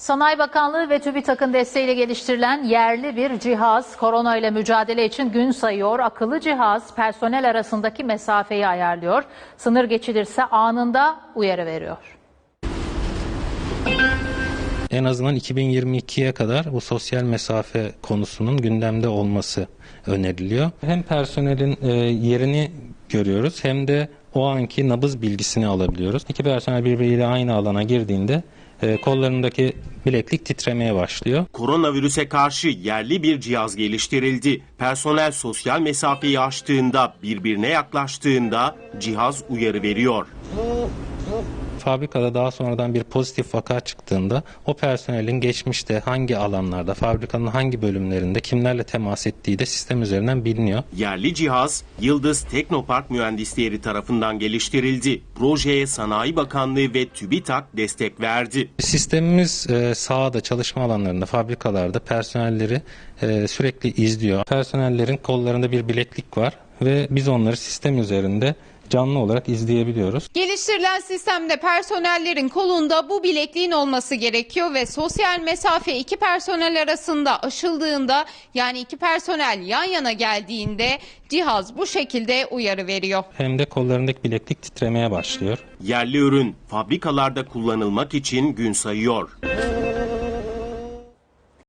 Sanayi Bakanlığı ve TÜBİTAK'ın desteğiyle geliştirilen yerli bir cihaz korona ile mücadele için gün sayıyor. Akıllı cihaz personel arasındaki mesafeyi ayarlıyor. Sınır geçilirse anında uyarı veriyor. En azından 2022'ye kadar bu sosyal mesafe konusunun gündemde olması öneriliyor. Hem personelin yerini görüyoruz hem de o anki nabız bilgisini alabiliyoruz. İki personel birbiriyle aynı alana girdiğinde kollarındaki bileklik titremeye başlıyor. Koronavirüse karşı yerli bir cihaz geliştirildi. Personel sosyal mesafeyi aştığında, birbirine yaklaştığında cihaz uyarı veriyor. Fabrikada daha sonradan bir pozitif vaka çıktığında o personelin geçmişte hangi alanlarda, fabrikanın hangi bölümlerinde kimlerle temas ettiği de sistem üzerinden biliniyor. Yerli cihaz Yıldız Teknopark mühendisleri tarafından geliştirildi. Projeye Sanayi Bakanlığı ve TÜBİTAK destek verdi. Sistemimiz sahada, çalışma alanlarında, fabrikalarda personelleri sürekli izliyor. Personellerin kollarında bir bileklik var ve biz onları sistem üzerinde canlı olarak izleyebiliyoruz. Geliştirilen sistemde personellerin kolunda bu bilekliğin olması gerekiyor ve sosyal mesafe iki personel arasında aşıldığında, yani iki personel yan yana geldiğinde cihaz bu şekilde uyarı veriyor. Hem de kollarındaki bileklik titremeye başlıyor. Yerli ürün fabrikalarda kullanılmak için gün sayıyor.